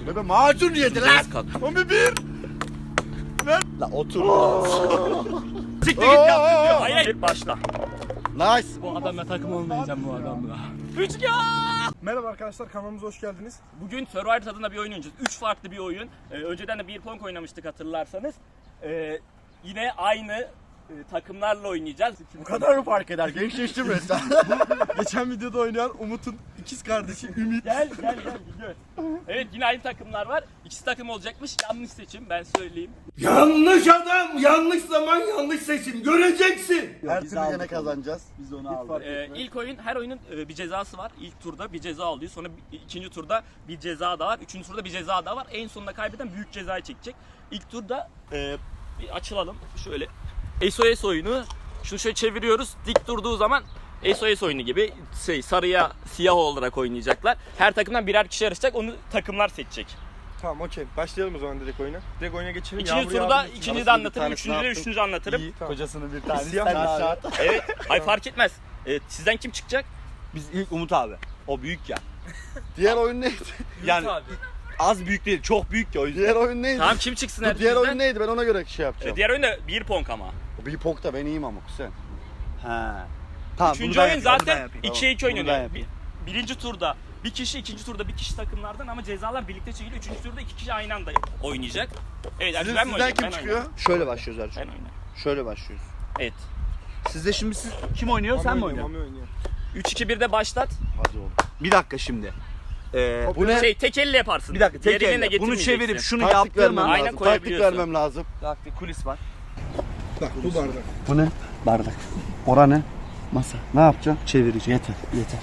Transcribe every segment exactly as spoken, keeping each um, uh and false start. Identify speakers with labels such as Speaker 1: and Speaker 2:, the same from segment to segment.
Speaker 1: Bebe macun yedi lan. on bir bir. Ver. La otur.
Speaker 2: Siktir git yaptın. Hayır hayır başla.
Speaker 1: Nice.
Speaker 2: Bu adamla takım olmayacağım bu adamla. Üç ya.
Speaker 3: Merhaba arkadaşlar, kanalımıza hoş geldiniz.
Speaker 2: Bugün Survivor tadında bir oyun oynayacağız. Üç farklı bir oyun. Ee, önceden de bir pong oynamıştık hatırlarsanız. Ee, yine aynı e, takımlarla oynayacağız.
Speaker 1: Bu kadar mı fark eder? Gençleştim resmen.
Speaker 3: Geçen videoda oynayan Umut'un ikiz kardeşi Ümit.
Speaker 2: Gel gel gel gör. Evet yine aynı takımlar var. İkisi takım olacakmış. Yanlış seçim ben söyleyeyim.
Speaker 4: Yanlış adam, yanlış zaman, yanlış seçim. Göreceksin.
Speaker 1: Her türlü gene kazanacağız. Biz onu aldık.
Speaker 2: Ee, ilk oyun, her oyunun e, bir cezası var. İlk turda bir ceza alıyor. Sonra bir- ikinci turda bir ceza daha var. Üçüncü turda bir ceza daha var. En sonunda kaybeden büyük cezayı çekecek. İlk turda e, bir açılalım. Şöyle S O S oyunu. Şunu şöyle çeviriyoruz. Dik durduğu zaman S O S oyunu gibi şey, sarıya siyah olarak oynayacaklar. Her takımdan birer kişi yarışacak. Onu takımlar seçecek.
Speaker 3: Tamam, okey. Başlayalım o zaman direkt oyuna. Direkt oyuna geçelim.
Speaker 2: İkinci
Speaker 3: Yağmur
Speaker 2: turda
Speaker 3: yağdı.
Speaker 2: ikinci de
Speaker 1: Arasında bir
Speaker 2: anlatırım.
Speaker 1: tanesi
Speaker 2: Üçüncü
Speaker 1: ne
Speaker 2: de
Speaker 1: yaptın?
Speaker 2: üçüncü anlatırım.
Speaker 3: İyi, tamam.
Speaker 1: Kocasının bir tanesi.
Speaker 3: Siyah
Speaker 1: Sen
Speaker 3: mı?
Speaker 1: aşağı.
Speaker 2: Evet. Ay fark etmez. Ee, sizden kim çıkacak?
Speaker 5: Biz ilk Umut abi. O büyük ya.
Speaker 1: Diğer oyun neydi?
Speaker 5: Yani az büyük değil, çok büyük ya o yüzden.
Speaker 1: Diğer oyun neydi?
Speaker 2: Tamam kim çıksın
Speaker 1: Dur,
Speaker 2: her
Speaker 1: diğer
Speaker 2: bizden?
Speaker 1: oyun neydi? Ben ona göre şey yapacağım.
Speaker 2: Ee, diğer oyun da bir pong ama.
Speaker 1: Bir pokta ben iyiyim ama sen.
Speaker 5: Ha. Tamam,
Speaker 2: Üçüncü
Speaker 5: bunu ben
Speaker 2: oyun
Speaker 5: yapayım, bunu ben
Speaker 2: zaten
Speaker 5: yapayım.
Speaker 2: ikiye iki
Speaker 5: Bunu ben
Speaker 2: oynanıyor.
Speaker 5: yapayım.
Speaker 2: Bir- Birinci turda bir kişi, ikinci turda bir kişi takımlardan ama cezalar birlikte çekiliyor. Üçüncü turda iki kişi aynı anda oynayacak. Evet,
Speaker 1: Sizin,
Speaker 2: ben mi
Speaker 1: sizden
Speaker 2: oynayayım?
Speaker 1: kim
Speaker 2: Ben
Speaker 1: çıkıyor?
Speaker 2: oynayayım.
Speaker 5: Şöyle başlıyoruz
Speaker 2: Ben
Speaker 5: Erçin.
Speaker 2: oynayayım.
Speaker 5: Şöyle başlıyoruz.
Speaker 2: Evet.
Speaker 5: Sizde şimdi siz kim oynuyor, sen mi
Speaker 3: Mami oynuyor,
Speaker 5: oynuyorsun?
Speaker 3: Mami oynuyor.
Speaker 2: üç iki birde başlat.
Speaker 1: Hadi oğlum.
Speaker 5: Bir dakika şimdi. Ee,
Speaker 1: Bu ne?
Speaker 2: Şey tek elle yaparsın.
Speaker 5: bir dakika, tek
Speaker 2: Diğer eline
Speaker 5: elle. Bunu
Speaker 2: getirmeyeceksin.
Speaker 5: çevirip şunu
Speaker 1: Taktik
Speaker 5: yaptığım
Speaker 1: vermem
Speaker 5: an...
Speaker 2: Aynen
Speaker 1: lazım. Taktik
Speaker 2: koyabiliyorsun.
Speaker 1: vermem lazım.
Speaker 5: Taktik, kulis var.
Speaker 3: Bak bu bardak.
Speaker 1: Bu ne? Bardak. Ora ne? Masa. Ne yapacağım? Çevirici. Yeter. Yeter.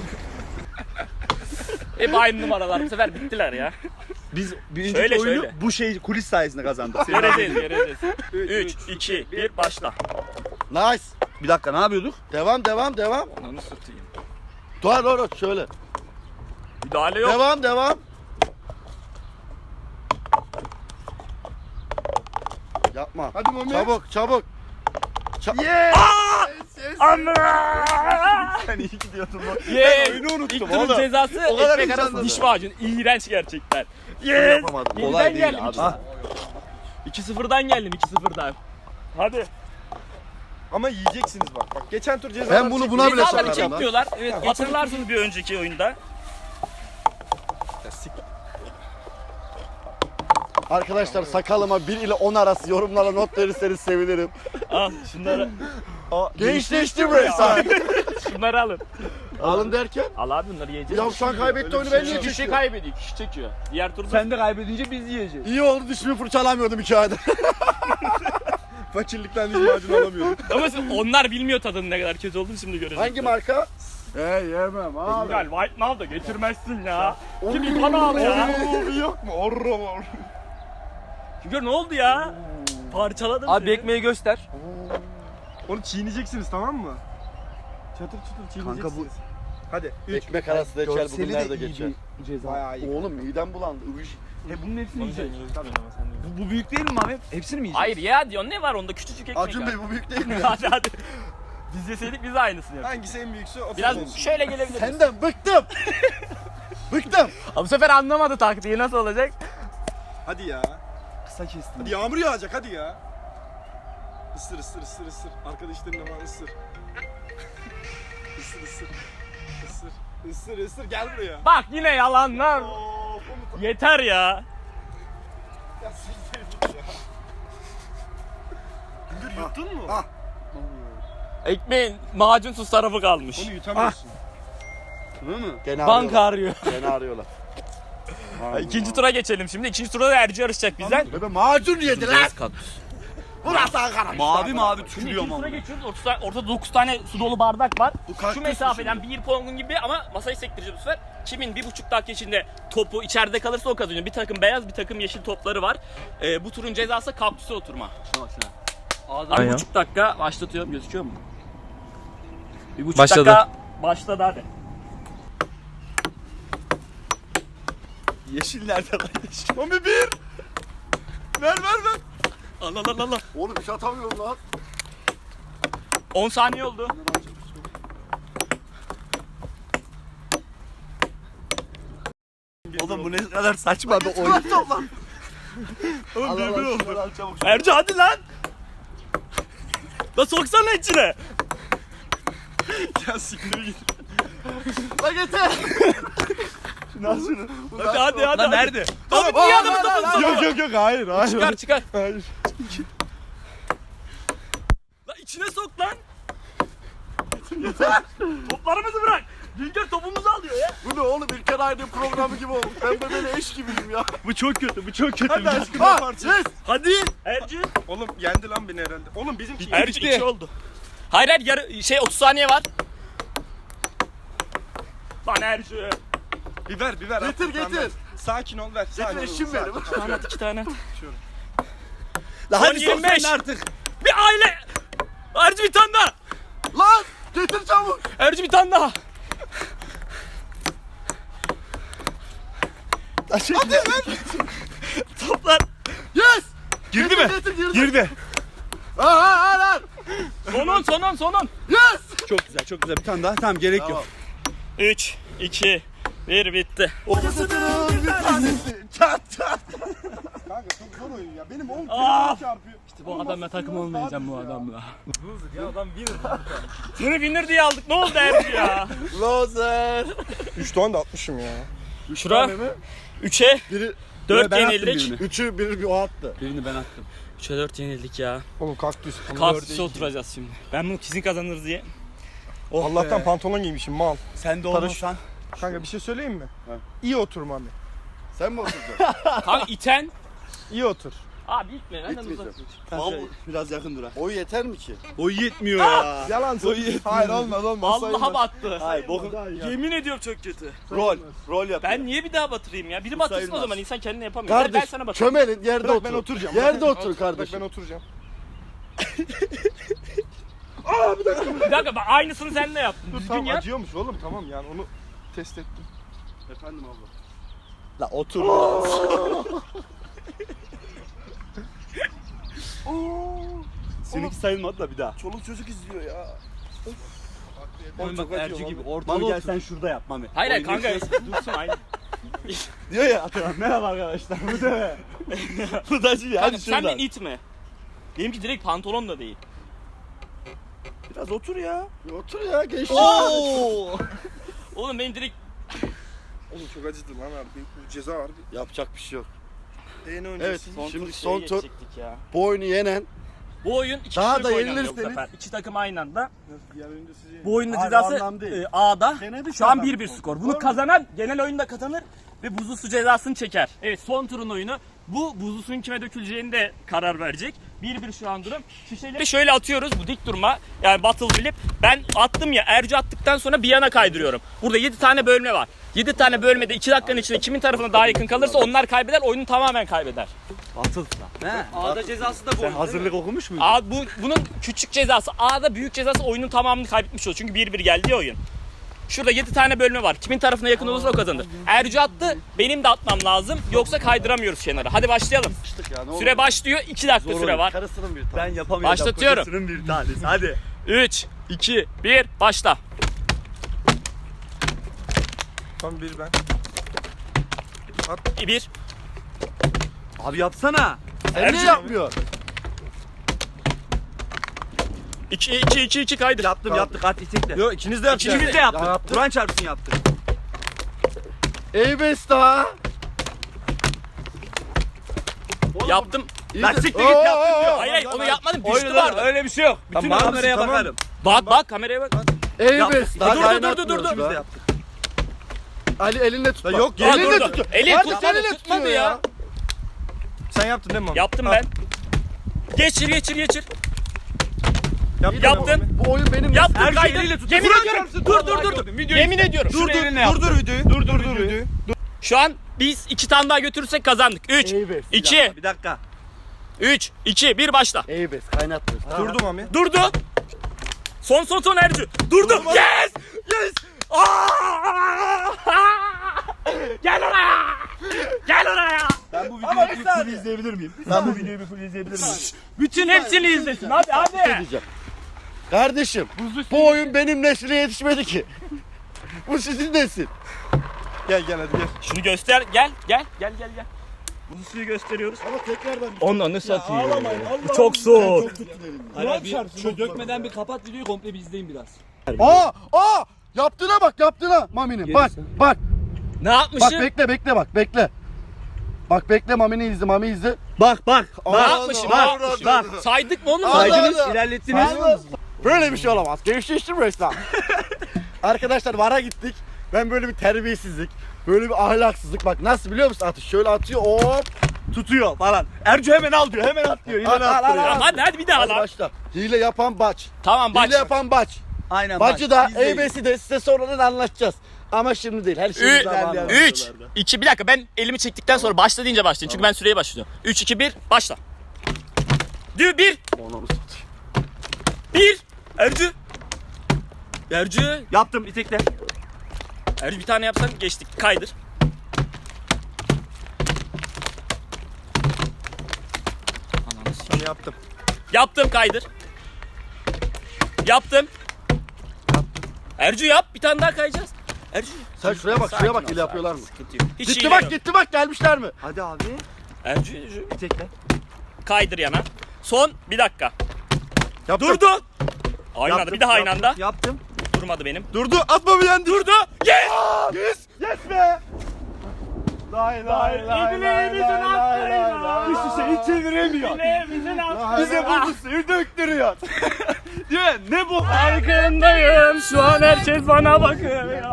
Speaker 2: Hep aynı numaralar. Bu sefer bittiler ya.
Speaker 5: Biz birinci
Speaker 2: Şöyle,
Speaker 5: oyunu
Speaker 2: şöyle.
Speaker 5: bu şey kulis sayesinde kazandık.
Speaker 2: Göreceğiz, göreceğiz. üç, iki, bir, başla.
Speaker 1: Nice.
Speaker 5: Bir dakika, ne yapıyorduk?
Speaker 1: Devam devam devam.
Speaker 2: Onu satayım.
Speaker 1: Dur dur dur şöyle.
Speaker 2: Müdahale yok.
Speaker 1: Devam devam. Yapma.
Speaker 3: Hadi Mami.
Speaker 1: Çabuk çabuk. Ça-
Speaker 3: Yeah!
Speaker 5: Sen iyi gidiyordun bak.
Speaker 2: Yes.
Speaker 1: oyunu unuttum
Speaker 2: İlk turun
Speaker 1: oğlum.
Speaker 2: cezası
Speaker 1: O kadar
Speaker 2: ekmek arası
Speaker 1: heyecanlandım.
Speaker 2: diş macunu. İğrenç gerçekten. Yes.
Speaker 1: yapamadım.
Speaker 2: Yeniden
Speaker 5: Kolay değil
Speaker 2: geldim.
Speaker 5: abi.
Speaker 2: iki- iki sıfırdan geldim iki sıfırdan. Hadi.
Speaker 3: Ama yiyeceksiniz bak. Bak geçen tur cezalar
Speaker 1: Ben bunu
Speaker 3: çekti.
Speaker 1: buna bile
Speaker 2: Cezaları
Speaker 1: sokarım lan.
Speaker 2: çekmiyorlar. Evet, hatırlarsınız bir önceki oyunda.
Speaker 3: Ya sik-
Speaker 1: Arkadaşlar sakalıma bir ile on arası yorumlara not verirseniz sevinirim.
Speaker 2: Al şunları.
Speaker 1: Gençleştim resmen.
Speaker 2: Şunları alın.
Speaker 1: Alın derken.
Speaker 2: Al abi bunları yiyeceğiz.
Speaker 1: Yavşan kaybetti oyunu
Speaker 2: şey
Speaker 1: ben niye
Speaker 2: kişi
Speaker 1: çekiyorum?
Speaker 2: kaybediyor, kişi çekiyor. Diğer turda
Speaker 5: Sen de kaybedince biz yiyeceğiz.
Speaker 1: İyi oldu dişimi fırçalamıyordum iki ayda.
Speaker 3: Fakirlikten diş macunu alamıyorduk.
Speaker 2: ama siz- onlar bilmiyor tadının ne kadar kötü olduğunu şimdi görecekler.
Speaker 1: Hangi marka? He yemem abi.
Speaker 2: Gel White Now da getirmezsin ya. Kim İlhan al ya.
Speaker 3: Bir yok mu? Orro var.
Speaker 2: Çünkü ne oldu ya? Parçaladım
Speaker 5: Abi
Speaker 2: seni.
Speaker 5: ekmeği göster.
Speaker 3: Onu çiğneyeceksiniz, tamam mı? Çatır çatır çiğneyeceksiniz.
Speaker 5: Kanka
Speaker 3: Hadi. Üç.
Speaker 1: Ekmek arası da geçer bugün nerede geçer?
Speaker 5: ceza.
Speaker 3: Bayağı iyi.
Speaker 1: Oğlum midem bulandı. Üş.
Speaker 5: E bunun hepsini
Speaker 2: Onu
Speaker 5: yiyeceğiz.
Speaker 2: sen yiyorsun ama sen yiyorsun.
Speaker 5: Bu, bu büyük değil mi abi? Hepsini mi yiyeceğiz?
Speaker 2: Hayır ya diyor ne var onda küçücük ekmek
Speaker 1: Acun
Speaker 2: var.
Speaker 1: Bey bu büyük değil mi?
Speaker 2: hadi hadi. Biz yeseydik biz de aynısını yaparız.
Speaker 3: Hangisi en büyükse o
Speaker 2: Biraz
Speaker 3: sizin olsun.
Speaker 2: şöyle gelebiliriz.
Speaker 1: Senden bıktım. Bıktım.
Speaker 2: Bu sefer anlamadı taktiği nasıl olacak?
Speaker 3: Hadi ya.
Speaker 5: Kısa kestim.
Speaker 3: Hadi yağmur yağacak, hadi ya. Isır ısır ısır ısır. Arkadaşlarınla falan ısır. Isır ısır. Isır. Isır ısır, gel buraya.
Speaker 2: Bak yine yalanlar.
Speaker 3: Oo, komutan.
Speaker 2: Yeter ya.
Speaker 3: Ya siktir git ya. Gündür yuttun mu?
Speaker 1: ah.
Speaker 2: Ekmeğin macunsuz tarafı kalmış.
Speaker 3: Onu yutamıyorsun.
Speaker 1: Değil mi? Gene
Speaker 2: Banka
Speaker 1: arıyorlar.
Speaker 2: arıyor.
Speaker 1: Gene arıyorlar.
Speaker 2: İkinci tura geçelim şimdi. İkinci turda da Erci yarışacak bizden.
Speaker 1: Bebe macun yedi lan. Burası Ankara.
Speaker 5: Mavi mavi
Speaker 2: Şimdi
Speaker 5: tükürüyor
Speaker 2: ikinci tura
Speaker 5: ama.
Speaker 2: geçiyoruz. Ortada, ortada dokuz tane su dolu bardak var.
Speaker 1: Bu kaktüs
Speaker 2: Şu
Speaker 1: mü
Speaker 2: mesafeden bir pongun gibi ama masayı sektireceğiz bu sefer. Kimin bir buçuk dakika içinde topu içeride kalırsa o kazanıyor. Bir takım beyaz bir takım yeşil topları var. Ee, bu turun cezası kaktüse oturma.
Speaker 5: Şuna bak şuna.
Speaker 2: Abi bir buçuk dakika başlatıyorum, gözüküyor mu? Bir buçuk
Speaker 5: Başladı.
Speaker 2: dakika başladı hadi.
Speaker 5: Yeşil nerede kardeşim?
Speaker 3: Mami bir. Ver ver ver.
Speaker 2: Allah Allah Allah.
Speaker 1: Oğlum iş atamıyorum lan.
Speaker 2: on saniye oldu.
Speaker 1: Oğlum bu ne kadar saçma bir oyun.
Speaker 2: Oğlum birbiri oldu. Erci hadi lan. La soksana içine.
Speaker 3: Ya siktir git.
Speaker 1: Lan getir. Şunu al şunu.
Speaker 2: Hadi hadi hadi.
Speaker 5: Lan nerede?
Speaker 2: Abi niye adamı tutun
Speaker 3: Yok yok yok hayır hayır.
Speaker 2: Çıkar çıkar.
Speaker 3: Hayır.
Speaker 2: La içine sok lan. Toplarımızı bırak. Güngör topumuzu alıyor ya.
Speaker 1: Bu ne oğlum İlker Aydın programı gibi oldu. Ben de böyle eş gibiyim ya.
Speaker 2: Bu çok kötü, bu çok kötü.
Speaker 3: Hadi aşkım
Speaker 1: Ha,
Speaker 3: yaparsın.
Speaker 1: yes.
Speaker 2: Hadi. Erci.
Speaker 3: Oğlum yendi lan beni herhalde. Oğlum bizimki
Speaker 2: Erci iki oldu. Hayır hayır yarı, şey otuz saniye var. Lan Erci.
Speaker 3: Biber biber.
Speaker 1: Getir,
Speaker 3: at, tamam,
Speaker 1: getir.
Speaker 3: ver. Sakin ol ver. Sakin
Speaker 1: Getir
Speaker 3: ol,
Speaker 1: eşim
Speaker 3: sakin.
Speaker 1: benim.
Speaker 2: Tamam at iki tane.
Speaker 1: Lan
Speaker 2: Son
Speaker 1: hadi
Speaker 2: yirmi beş.
Speaker 1: sokmayın artık.
Speaker 2: Bir aile. Erci bir tane daha.
Speaker 1: Lan getir çabuk.
Speaker 2: Erci bir tane daha.
Speaker 1: Hadi ver.
Speaker 2: Toplar.
Speaker 1: Yes.
Speaker 3: Girdi
Speaker 1: Getir,
Speaker 3: mi?
Speaker 1: Getir girdi.
Speaker 3: Girdi.
Speaker 1: Ha ha ha lan.
Speaker 2: Sonun sonun sonun.
Speaker 1: Yes.
Speaker 5: Çok güzel çok güzel. Bir tane daha. Tamam gerek
Speaker 1: Tamam.
Speaker 5: yok.
Speaker 2: üç, iki, bir bitti.
Speaker 1: Ortasının bir tanesi. Çat çat.
Speaker 3: Kanka çok zor oyun ya. Benim oğlum
Speaker 2: Aa!
Speaker 3: telefonu çarpıyor.
Speaker 2: Bu adamla takım olmayacağım bu
Speaker 3: Ya.
Speaker 2: adamla. Ya adam winner. Seni winner diye aldık. Ne oldu Erci ya?
Speaker 1: Loser.
Speaker 3: üç tane de atmışım ya.
Speaker 2: Şura
Speaker 1: mi?
Speaker 2: üçe
Speaker 1: Biri
Speaker 2: dört
Speaker 5: Ben attım
Speaker 2: yenildik.
Speaker 5: birini.
Speaker 1: üçü biri bir o attı.
Speaker 5: Birini ben attım.
Speaker 2: üçe dört yenildik ya.
Speaker 3: Oğlum kaktüs.
Speaker 2: Kaktüse oturacağız şimdi. Ben bunu kesin kazanırız diye.
Speaker 5: Oh
Speaker 3: Allah'tan
Speaker 5: be.
Speaker 3: pantolon giymişim mal.
Speaker 5: Sen de
Speaker 3: Paraşüt.
Speaker 5: olmasan.
Speaker 3: Kanka bir şey söyleyeyim mi?
Speaker 1: Ha.
Speaker 3: İyi otur Mami.
Speaker 1: Sen mi oturacaksın?
Speaker 2: Kanka iten.
Speaker 3: İyi otur.
Speaker 2: Abi itme. Benden
Speaker 1: İtmeyeceğim.
Speaker 2: uzak.
Speaker 1: Vallahi biraz yakın dur ha. Oy yeter mi ki?
Speaker 5: Boyu yetmiyor ya.
Speaker 3: Yalan söylüyorsun. Hayır olmaz olmaz.
Speaker 2: Vallahi battı.
Speaker 1: Hayır bokun.
Speaker 2: Yemin ediyorum çok kötü.
Speaker 1: Rol. Rol yap.
Speaker 2: Ben niye bir daha batırayım ya? Biri batırsın o
Speaker 1: sayılmaz.
Speaker 2: zaman insan kendine yapamıyor. Gel ben
Speaker 1: Kardeş
Speaker 2: sana batırayım.
Speaker 1: çömelin yerde
Speaker 3: Bırak
Speaker 1: otur.
Speaker 3: ben oturacağım.
Speaker 1: Yerde
Speaker 3: Bak,
Speaker 1: otur
Speaker 3: bak,
Speaker 1: kardeşim.
Speaker 3: Bak ben oturacağım.
Speaker 2: Bir dakika ben aynısını seninle yaptım.
Speaker 3: Dur
Speaker 2: Düzgün
Speaker 3: tamam
Speaker 2: yap.
Speaker 3: acıyormuş oğlum tamam yani onu test ettim.
Speaker 1: Efendim abla.
Speaker 5: La otur. Seninki sayılmadı da bir daha.
Speaker 1: Çoluk çocuk izliyor ya.
Speaker 5: Oğlum bak
Speaker 1: çok acıyor
Speaker 5: Erci gibi
Speaker 1: vallahi.
Speaker 5: ortaya
Speaker 1: Mal
Speaker 5: gel
Speaker 1: otur.
Speaker 5: sen şurada yap Mami.
Speaker 2: Hayır hayır
Speaker 5: Oyunu
Speaker 2: kanka
Speaker 5: kes.
Speaker 2: dursun aynı.
Speaker 1: Diyor ya Atakan merhaba arkadaşlar bu da be. Bu da şey ya.
Speaker 2: Kanka
Speaker 1: Hadi
Speaker 2: sen
Speaker 1: şuradan.
Speaker 2: beni itme. Benimki direkt pantolon da değil.
Speaker 1: Biraz otur ya. Bir otur ya gençler.
Speaker 2: Oo! Oğlum benim direkt
Speaker 3: Oğlum çok acıdı lan abi. Bu ceza var.
Speaker 1: Yapacak bir şey yok.
Speaker 3: Değene
Speaker 1: Evet
Speaker 3: oynayacağız.
Speaker 2: son
Speaker 1: şimdi
Speaker 2: tur
Speaker 1: son
Speaker 2: şeye
Speaker 1: tur
Speaker 2: geçecektik ya.
Speaker 1: bu oyunu yenen
Speaker 2: Bu oyun iki
Speaker 1: Daha
Speaker 2: kişilik
Speaker 1: da
Speaker 2: oynanıyor bu
Speaker 1: yenilirseniz-
Speaker 2: sefer. İki takım aynı anda.
Speaker 3: Diğer oyunda sizi
Speaker 2: Bu oyunun
Speaker 1: Hayır,
Speaker 2: cezası
Speaker 1: o anlam değil.
Speaker 2: e, A'da.
Speaker 1: Denedik
Speaker 2: Şu an
Speaker 1: adam.
Speaker 2: bir bir skor. Bunu kazanan genel oyunda kazanır ve buzlu su cezasını çeker. Evet son turun oyunu. Bu buzlu suyun kime döküleceğini de karar verecek. bir bir şu an durum. Şişeleri şöyle atıyoruz bu dik durma. Yani battle flip. Ben attım ya Erci attıktan sonra bir yana kaydırıyorum. Burada yedi tane bölme var. yedi tane bölmede iki dakikanın içinde kimin tarafına daha yakın kalırsa onlar kaybeder. Oyunu tamamen kaybeder.
Speaker 5: Atıl. He.
Speaker 2: A'da cezası da bu.
Speaker 5: Sen hazırlık okumuş muydun?
Speaker 2: A, bu, bunun küçük cezası. A'da büyük cezası oyunun tamamını kaybetmiş olur. Çünkü bir bir geldi ya oyun. Şurada yedi tane bölme var. Kimin tarafına yakın olursa o kazanır. Ercü attı. Benim de atmam lazım. Yoksa kaydıramıyoruz kenara. Hadi başlayalım.
Speaker 1: Yapıştık ya ne olur.
Speaker 2: Süre başlıyor. iki dakika
Speaker 1: Zor
Speaker 2: süre
Speaker 1: oyun.
Speaker 2: var.
Speaker 1: Karısının bir tane.
Speaker 5: Ben yapamayacağım.
Speaker 2: Başlatıyorum.
Speaker 5: Kocasının bir tanesi. Hadi.
Speaker 2: üç, iki, bir, başla.
Speaker 3: Tam bir ben.
Speaker 2: bir.
Speaker 5: Abi yapsana.
Speaker 1: Sen niye yapmıyorsun?
Speaker 2: iki, iki, iki, iki kaydır.
Speaker 5: Yaptım yaptık hadi tek de.
Speaker 3: Yok ikiniz de yapacaksınız.
Speaker 2: İkimiz de yaptık.
Speaker 1: Ya yaptık.
Speaker 5: Kur'an çarpsın yaptık.
Speaker 1: Eybes daha.
Speaker 2: Yaptım.
Speaker 5: Lan siktir git yaptın diyor.
Speaker 2: Hayır hayır onu yapmadım. Düştü
Speaker 5: Oynadı
Speaker 2: vardı.
Speaker 5: öyle bir şey yok. Bütün
Speaker 3: Tamam,
Speaker 5: kameraya
Speaker 3: tamam.
Speaker 5: bakarım.
Speaker 2: Bak bak kameraya bak.
Speaker 1: Eybes daha
Speaker 2: Dur, dur, dur,
Speaker 1: kaynatmıyoruz
Speaker 2: dur, dur, dur.
Speaker 5: İkimiz de
Speaker 1: be.
Speaker 5: yaptık.
Speaker 1: Ali elinde tut.
Speaker 3: Ya
Speaker 1: bak.
Speaker 3: yok,
Speaker 2: Aa,
Speaker 1: elinde
Speaker 2: durdu.
Speaker 1: tut.
Speaker 2: Eli
Speaker 1: Hadi
Speaker 2: tutmadı,
Speaker 1: elinde
Speaker 2: tutmadı
Speaker 1: tutuyor
Speaker 2: ya.
Speaker 3: Sen yaptın değil mi Mami?
Speaker 2: Yaptım
Speaker 3: Al.
Speaker 2: ben. Geçir geçir geçir.
Speaker 3: Yaptın.
Speaker 2: Yaptın.
Speaker 1: Bu oyun benim.
Speaker 2: Yaptım
Speaker 5: Ercü
Speaker 2: kaydır.
Speaker 5: eliyle tut.
Speaker 2: Yemin
Speaker 5: Kur'an
Speaker 2: ediyorum.
Speaker 5: çarpsın.
Speaker 2: Dur
Speaker 5: Vallahi
Speaker 2: dur dur.
Speaker 5: gördüm. Videoyu
Speaker 2: Yemin ediyorum.
Speaker 5: Dur dur
Speaker 3: Dur
Speaker 5: dur
Speaker 3: dur videoyu. Dur dur dur videoyu.
Speaker 2: Şu an biz iki tane daha götürürsek kazandık. üç,
Speaker 1: Eybes.
Speaker 2: iki,
Speaker 5: Bir dakika.
Speaker 2: üç, iki, bir başla.
Speaker 1: Eybes kaynatmıyoruz.
Speaker 3: Durdu Mami.
Speaker 2: Durdu. Son son son Ercü. Durdu. Yes! Yes! Aa! Gel oraya! Gel oraya!
Speaker 5: Ben bu videoyu bir full izleyebilir miyim? Ben bu videoyu bir full izleyebilir miyim?
Speaker 2: Bütün hepsini izlesin. Hadi hadi.
Speaker 1: Diyeceğim. Kardeşim bu oyun benim nesline yetişmedi ki. Bu sizin nesil.
Speaker 3: Gel gel hadi gel.
Speaker 2: Şunu göster. Gel gel gel gel gel. Bu suyu gösteriyoruz.
Speaker 1: Ama tekrardan
Speaker 2: Onu satayım.
Speaker 3: Ağlamayın. Allah
Speaker 2: Çok soğuk.
Speaker 3: Hayır, bir,
Speaker 5: Şu dökmeden bir kapat videoyu, komple bir izleyin biraz.
Speaker 1: Aa aa yaptığına bak yaptığına Mami'nin. Bak bak
Speaker 2: Ne
Speaker 1: bak
Speaker 2: yapmışım?
Speaker 1: bekle bekle bak bekle. Bak bekle Mami'ni izle Mami izle.
Speaker 5: Bak bak.
Speaker 2: Ne yapmışım? Ne
Speaker 1: bak,
Speaker 2: yapmışım?
Speaker 1: bak.
Speaker 2: Saydık mı oğlum?
Speaker 1: Saydınız,
Speaker 5: ilerlettiniz.
Speaker 1: Böyle bir şey olamaz. Gençleştim resmen. Arkadaşlar VAR'a gittik. Ben böyle bir terbiyesizlik, böyle bir ahlaksızlık. Bak nasıl biliyor musun atış? Şöyle atıyor hop.
Speaker 5: Tutuyor falan. Ercü hemen al diyor, hemen at diyor.
Speaker 1: Al, al, al, al.
Speaker 2: Hadi hadi bir daha
Speaker 1: Hadi
Speaker 2: lan.
Speaker 1: başla. Hile yapan baç.
Speaker 2: Tamam baş.
Speaker 1: Hile yapan baç.
Speaker 5: Aynen.
Speaker 1: Bacı da E B'si de size sonradan anlatacağız. Ama şimdi değil. Her şey
Speaker 2: Ü-
Speaker 1: zamanında.
Speaker 2: üç, iki, bir dakika ben elimi çektikten sonra başla deyince başlayın. Çünkü ben süreye başlıyorum. üç, iki, bir, başla. Dü, bir, bir. Ercü. Ercü.
Speaker 5: Yaptım, itekle.
Speaker 2: Ercü bir tane yapsan geçtik. Kaydır.
Speaker 3: Hani yaptım.
Speaker 2: Yaptım kaydır. Yaptım. Ercü yap. Bir tane daha kayacağız. Ercü.
Speaker 1: Sen şuraya bak,
Speaker 2: Sakin
Speaker 1: şuraya bak
Speaker 2: ol,
Speaker 1: hile
Speaker 2: sakin,
Speaker 1: yapıyorlar mı?
Speaker 2: sıkıntı yok. Hiç
Speaker 1: Gitti
Speaker 2: hile
Speaker 1: bak
Speaker 2: yok.
Speaker 1: gitti bak gelmişler mi?
Speaker 5: Hadi abi.
Speaker 2: Ercü, Ercü.
Speaker 5: İtekle.
Speaker 2: Kaydır yana. Son bir dakika.
Speaker 1: Yaptım.
Speaker 2: Durdu. Aynı anda. Bir daha aynı anda.
Speaker 5: Yaptım.
Speaker 2: Durmadı benim.
Speaker 3: Durdu atma bir yendi.
Speaker 2: Durdu. Yes.
Speaker 3: Yes. Yes be. Lay lay lay lay lay lay lay.
Speaker 5: Üst üste hiç çeviremiyor.
Speaker 3: Bize bu suyu döktürüyor. Değil mi? Ne bu?
Speaker 2: Farkındayım. Şu an herkes bana bakıyor.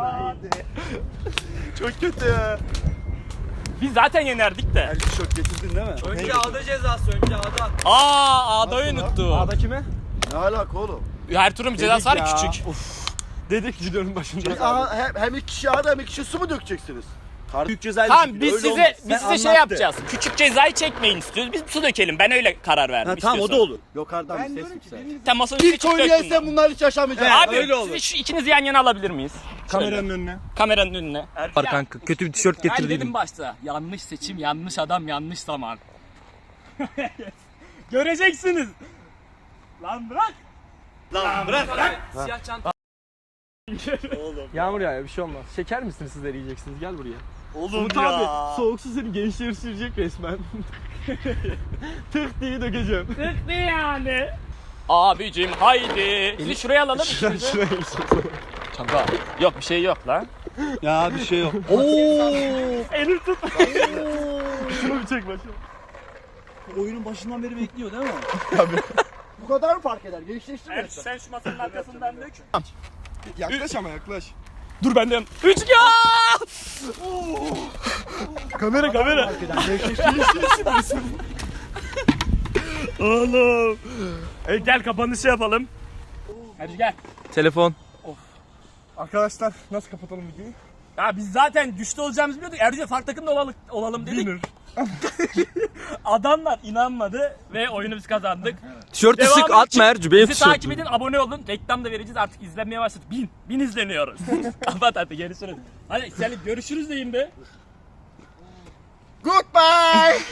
Speaker 3: Çok kötü ya.
Speaker 2: Biz zaten yenerdik de.
Speaker 3: Ercü çok getirdin değil mi?
Speaker 5: Önce ağda cezası, önce ağda.
Speaker 2: Aa, A'dayı unuttu.
Speaker 5: Ağda kime?
Speaker 1: Ne alaka oğlum?
Speaker 2: Her turun bir cezası var ya,
Speaker 3: ya.
Speaker 2: küçük.
Speaker 3: Dedik videonun başında.
Speaker 1: Aa, hem, hem iki kişi ağda hem iki kişi su mu dökeceksiniz?
Speaker 5: Büyük cezayı
Speaker 2: Tamam biz
Speaker 5: öyle
Speaker 2: size
Speaker 5: olmaz.
Speaker 2: biz
Speaker 5: Sen
Speaker 2: size şey
Speaker 5: anlattı.
Speaker 2: yapacağız. Küçük cezayı çekmeyin istiyoruz. Biz su dökelim. Ben öyle karar verdim.
Speaker 5: Ha, tamam o da
Speaker 2: istiyorsan.
Speaker 5: olur.
Speaker 1: Yukarıdan bir ses yüksel.
Speaker 2: Sen masanın üstüne
Speaker 1: İlk
Speaker 2: çık dök
Speaker 1: oynayan
Speaker 2: bunları.
Speaker 1: sen bunlar hiç yaşamayacaksın.
Speaker 2: Abi
Speaker 5: öyle olur.
Speaker 2: sizi şu ikinizi yan yana alabilir miyiz?
Speaker 3: Kameranın önüne.
Speaker 2: Kameranın önüne.
Speaker 5: Var kanka, kötü bir tişört
Speaker 6: Ben
Speaker 5: getirdiydim.
Speaker 6: dedim başta yanlış seçim, yanlış adam, yanlış zaman. Göreceksiniz. Lan bırak.
Speaker 5: Lan bırak lan.
Speaker 6: Siyah çanta.
Speaker 3: Yağmur yağıyor bir şey olmaz. Şeker misiniz sizler yiyeceksiniz gel buraya.
Speaker 5: Oğlum
Speaker 3: Umut
Speaker 5: ya.
Speaker 3: abi soğuk su seni gençleri sürecek resmen. Tık diye dökeceğim.
Speaker 2: Tıktı yani. Abicim haydi. Sizi şuraya alalım. ikinizi. Çanta. Yok bir şey yok lan.
Speaker 5: Ya bir şey yok.
Speaker 2: Elim tut.
Speaker 3: Şunu bir çek başım.
Speaker 5: Oyunun başından beri bekliyor değil mi?
Speaker 1: Bu kadar mı fark eder? Gençleştin mi?
Speaker 2: Ercü sen şu masanın arkasından dök.
Speaker 3: Yaklaş ama yaklaş.
Speaker 2: Dur benden. Üç ya.
Speaker 3: Kamera kamera.
Speaker 2: Oğlum. E, gel kapanışı yapalım.
Speaker 6: Hadi gel.
Speaker 5: Telefon.
Speaker 3: Arkadaşlar nasıl kapatalım videoyu?
Speaker 2: Ya biz zaten güçlü olacağımızı biliyorduk. Ercü'yle farklı takımda olalım, olalım dedik. Adamlar inanmadı ve oyunu biz kazandık.
Speaker 5: Tişörtü
Speaker 2: Devam
Speaker 5: sık
Speaker 2: için
Speaker 5: atma Ercü, benim
Speaker 2: bizi takip
Speaker 5: tişörtüm.
Speaker 2: edin, abone olun. Reklam da vereceğiz artık, izlenmeye başladık. Bin, bin izleniyoruz. Kapat hadi görüşürüz. Hadi Selim görüşürüz deyin be.
Speaker 1: Goodbye.